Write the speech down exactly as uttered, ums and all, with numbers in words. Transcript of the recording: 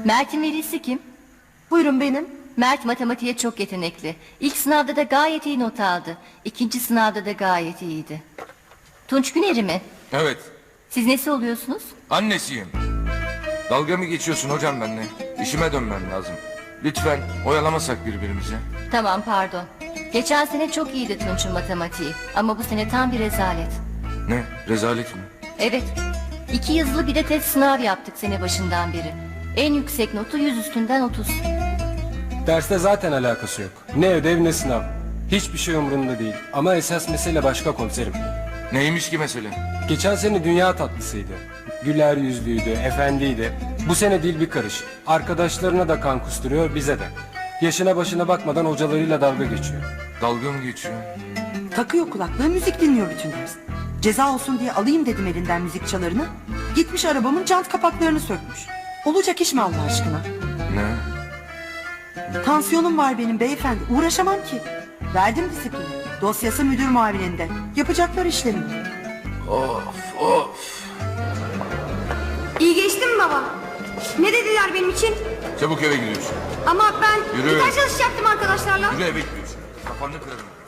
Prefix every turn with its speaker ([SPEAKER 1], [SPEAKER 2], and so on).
[SPEAKER 1] Mert'in velisi kim?
[SPEAKER 2] Buyurun benim.
[SPEAKER 1] Mert matematiğe çok yetenekli. İlk sınavda da gayet iyi not aldı. İkinci sınavda da gayet iyiydi. Tunç Güner'i mi?
[SPEAKER 3] Evet,
[SPEAKER 1] Siz nesi oluyorsunuz?
[SPEAKER 3] annesiyim. Dalga mı geçiyorsun hocam benimle? İşime dönmem lazım. Lütfen oyalamasak birbirimizi.
[SPEAKER 1] Tamam, pardon. Geçen sene çok iyiydi Tunç'un matematiği. Ama bu sene tam bir rezalet.
[SPEAKER 3] Ne? Rezalet mi?
[SPEAKER 1] Evet. İki yazılı bir de test sınav yaptık sene başından beri. En yüksek notu yüz üstünden otuz.
[SPEAKER 4] Derste zaten alakası yok. Ne ödev ne sınav. Hiçbir şey umurunda değil. Ama esas mesele başka komiserim.
[SPEAKER 3] Neymiş ki mesele?
[SPEAKER 4] Geçen sene dünya tatlısıydı. Güler yüzlüydü, efendiydi. Bu sene dil bir karış. Arkadaşlarına da kan kusturuyor, bize de. Yaşına başına bakmadan hocalarıyla dalga geçiyor.
[SPEAKER 3] Dalga mı geçiyor?
[SPEAKER 2] Takıyor kulaklığı, müzik dinliyor bütün ders. Ceza olsun diye alayım dedim elinden müzik çalarını. Gitmiş arabamın jant kapaklarını sökmüş. Olacak iş mi Allah aşkına?
[SPEAKER 3] Ne?
[SPEAKER 2] Tansiyonum var benim beyefendi. Uğraşamam ki. Verdim disiplini. Dosyası müdür muavininde. Yapacaklar işlerini.
[SPEAKER 3] Of of.
[SPEAKER 5] İyi geçti mi baba? Ne dediler benim için?
[SPEAKER 3] Çabuk eve gidiyorsun.
[SPEAKER 5] Ama ben
[SPEAKER 3] Yürü.
[SPEAKER 5] gitar çalışacaktım arkadaşlarla.
[SPEAKER 3] Yürü eve gidiyorsun. Kafanı kırarım.